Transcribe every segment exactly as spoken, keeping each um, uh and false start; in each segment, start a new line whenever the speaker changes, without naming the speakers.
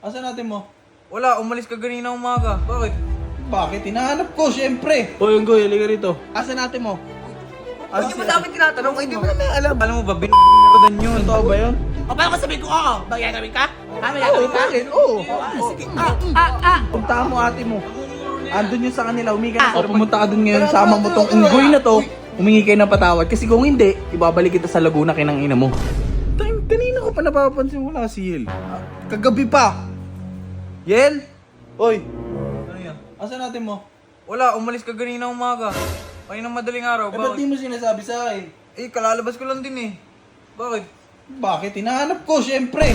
Asan natin mo?
Wala, umalis ka ganina umaga. Bakit?
Bakit? Hinahanap ko, syempre.
Hoy, Unggoy, halika rito.
Asan natin mo?
Hindi mo dapat tinatanong, hindi mo naman alam.
Alam mo ba, binibinirodan yun.
Totoo ba yun?
O paano ko sabihin ko, oo, magyagawin ka? Ha, magyagawin ka?
bakit? Oo.
Ah, sige. Ah, ah, ah.
Puntahan mo ate mo. Andun yun sa kanila, humingi ka. O pumunta ka dun ngayon, sama mo tong unggoy na to. Humingi kayo ng patawad. Kasi kung hindi, ibabalik kita sa Laguna kinang ina mo. Time, kanina ko pa napapansin wala si Yel. Kagabi pa. Yel? Oy,
Ano yan?
asan natin mo?
Wala, umalis ka ganina umaga. Kanina madaling araw.
Eh, ba't di
Bakit?
mo sinasabi sa akin?
Eh, kalalabas ko lang din eh. Bakit?
Bakit? Hinahanap ko, syempre.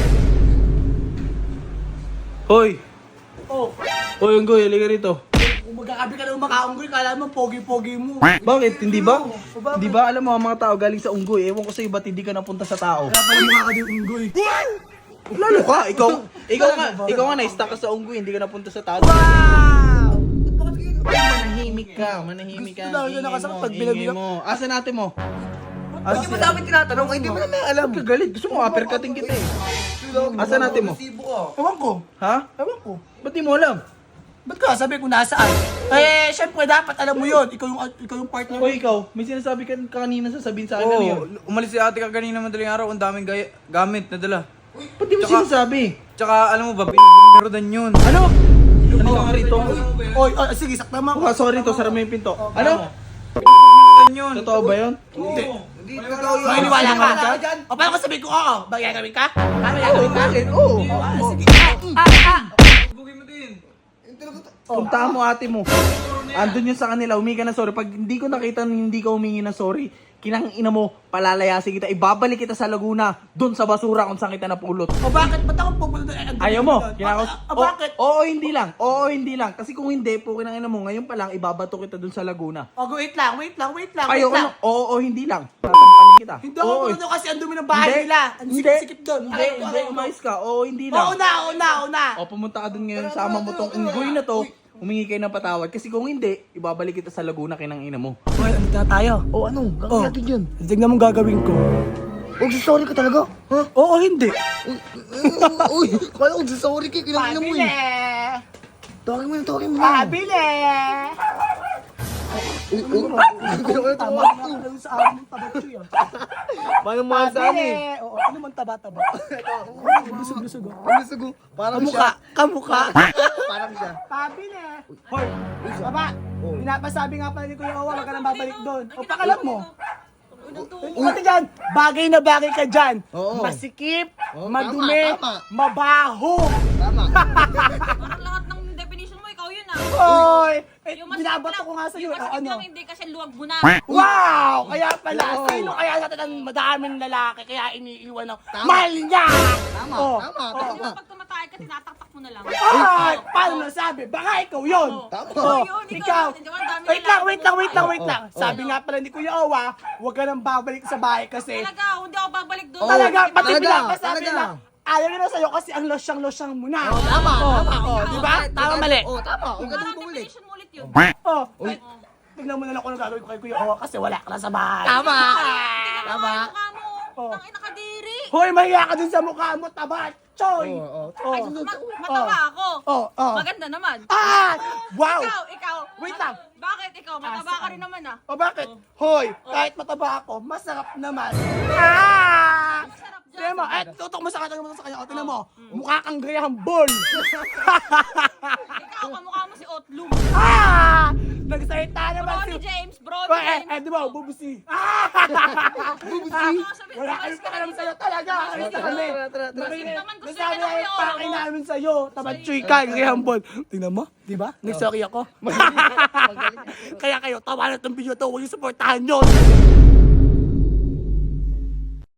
Hoy!
Oh,
Hoy, Unggoy, halika rito.
kung magkakabi ka ng makaunggoy, kala mo, pogi-pogi mo.
Bakit? Hindi ba?
Oo, bakit?
Hindi ba? Alam mo, ang mga tao galing sa unggoy. Ewan ko sa'yo, ba't hindi ka napunta sa tao?
Kaya pala yung kakadi unggoy.
Lalo ka, ikaw, ikaw nga, ikaw nga na-stuck ka sa unggoy, hindi ka napunta sa tao.
Wow!
Manahimik ka, manahimik ka.
Gusto daw niya
Ingay
nakasakit
mo,
pag
ingay
binabila-
mo. Asan natin mo?
Hindi mo dapat tinatanong, hindi mo naman alam.
Kagalit, gusto mo uppercutting kita eh. Asan natin mo?
Ewan ko.
Ha?
Ewan ko.
Ba't di mo alam?
Ba't ka sabi kung nasaan? Eh, syempre dapat alam mo yun. Ikaw yung, ikaw yung partner
O ikaw, may sinasabi ka kanina sasabihin sa akin ano yun.
Oo, umalis si ate ka ganina madaling araw. Ang daming gaya, gamit na dala.
Ba't di mo
Tsaka-
sinasabi?
Tsaka, alam mo ba, binibinirodan yun.
Ano? Ano ka nga rito?
Oy, oy, sige, sakta mo.
Oh, sorry to, sara mo yung pinto. Ano?
Binibinirodan yun.
Totoo ba yun?
Hindi.
Hindi, totoo yun.
Maniniwala ka? O paano ko sabihin ko, oo, magyagawin ka? Ha, magyagawin ka?
Bakit? Oo.
Ah, sige. Ah, ah, ah.
Bugin mo din.
Puntahan mo ate mo. Andun yun sa kanila, humingi ka ng sorry. Pag hindi ko nakita na hindi ka humingi ng sorry, kinang ina mo, palalayasin kita, ibabalik kita sa Laguna, dun sa basura kung saan kita napulot.
O bakit? Ba't ako pupunta doon? Ang
Ayaw
galing
mo?
doon.
Kinakos?
Ah, ah, bakit?
Oo, oo, hindi lang. Oo, hindi lang. Kasi kung hindi, po kinang ina mo, ngayon pa lang, ibabato kita dun sa Laguna.
O, wait lang, wait lang, wait lang, wait
Ayaw ko
lang.
na. Oo, oo, hindi lang. Tatampalin kita.
Hindi ako
Oo,
pupunta doon kasi ang dumi ng bahay
Hindi.
nila. Ang
Hindi.
sikip-sikip doon.
Hindi,
Ayaw ko,
hindi,
ayaw ko.
umayos ka. Oo, hindi
Oo
lang.
na, oo na, oo na.
O, pumunta ka dun ngayon, sama mo tong unggoy na to, humingi kayo ng patawad. Kasi kung hindi, ibabalik kita sa Laguna kinang ina mo.
Hoy, ano na tayo?
O ano? Gagawin
Oh,
natin yun.
tignan mo gagawin ko.
Huwag sorry ka talaga. Ha?
Oo, hindi.
Uy, kala ko sorry ka. Kailangan mo
Pabili!
eh. Tawagin mo na, tawagin mo na.
Pabili!
Uy, uy. Kailangan
Tama
tawagin
na
mo.
lang sa amin ng tabatsoy ah.
Paano mo sa
Pabili!
amin?
Oo, ano man taba-taba? Lusog-lusog ah.
Ano sugo? Parang
Kamukha,
siya.
kamukha.
Parang siya.
Pabili! Hoy, baba! Pinapasabi nga pala ni Kuya Owa, wag ka nang babalik doon. O pakalam mo. Pati dyan, bagay na bagay ka dyan.
Oo.
Masikip,
Oo,
madumi,
tama, tama.
mabaho.
Tama.
Parang lahat ng definition mo, ikaw yun ah.
Hoy! Eh,
Yung masikip
binabato
lang-
ko nga sa'yo.
Yung
eh,
masikip
ano?
lang, hindi kasi luwag mo na.
Wow! Kaya pala,
Oo.
sino kaya natin ang madaming lalaki kaya iniiwan ng
Tama.
mahal niya?
Tama,
Oh,
tama,
oh.
Di
tama.
ba pag tumatay ka, tinataktak mo na lang.
Ay, paano nasabi? Baka ikaw yun.
Tama.
Oh,
yun, ikaw
ikaw.
yun. Di ba, ang dami
Wait
lalaki
lang, wait lang, wait lang,
mo.
wait lang. Sabi nga pala ni Kuya Owa, huwag ka nang babalik sa bahay kasi
Talaga, hindi ako babalik doon.
Oo,
talaga, pati
talaga,
pinapasabi
talaga.
na ayaw nyo na sa'yo kasi ang losyang-losyang mo na.
Oh, tama,
Oh,
tama.
oh, di ba? Tama, mali.
Oh, tama. Huwag ka
Parang
din bumalik.
definition mo ulit yun.
Oh, eh, tignan mo na lang kung ano gagawin ko kay Kuya Owa kasi wala ka na sa bahay.
Tama.
Tingnan mo
Tama.
nga yung mukha mo.
Oh.
Tangin nakadiri.
Hoy, mahiya ka dun sa mukha mo, taba, choy.
Oo, oo.
Oh.
Ay, ma- mataba ako.
Oh, oh.
Maganda naman.
Ah! Wow!
Ikaw, ikaw.
Wait lang.
Bakit ikaw? Mataba ka rin naman ah.
O bakit? Hoy, kahit mataba ako, masarap naman. Ah!
Sarap dyan.
Tignan mo, eh, tutok mo sa kanya, tutok mo sa kanya. O, tignan mo, mukha kang Graham Ball.
Ikaw, kamukha mo si Otlum.
Ah! Nagsalita naman si...
Brody James, Brody
Oh, eh,
James.
eh, di ba, bubusi. Ah!
Bubusi.
Wala kami pa alam sa'yo talaga. Alis na kami.
Tara, tara, tara.
Nasabi
naman, gusto
nasabi
niya
na
na
yung
kuya,
pakay
oh.
namin sa'yo. Tabatsoy ka, Graham Ball. Tingnan mo, di ba? Nagsorry ako. Kaya kayo, tawanan ng video to, huwag yung supportahan yun.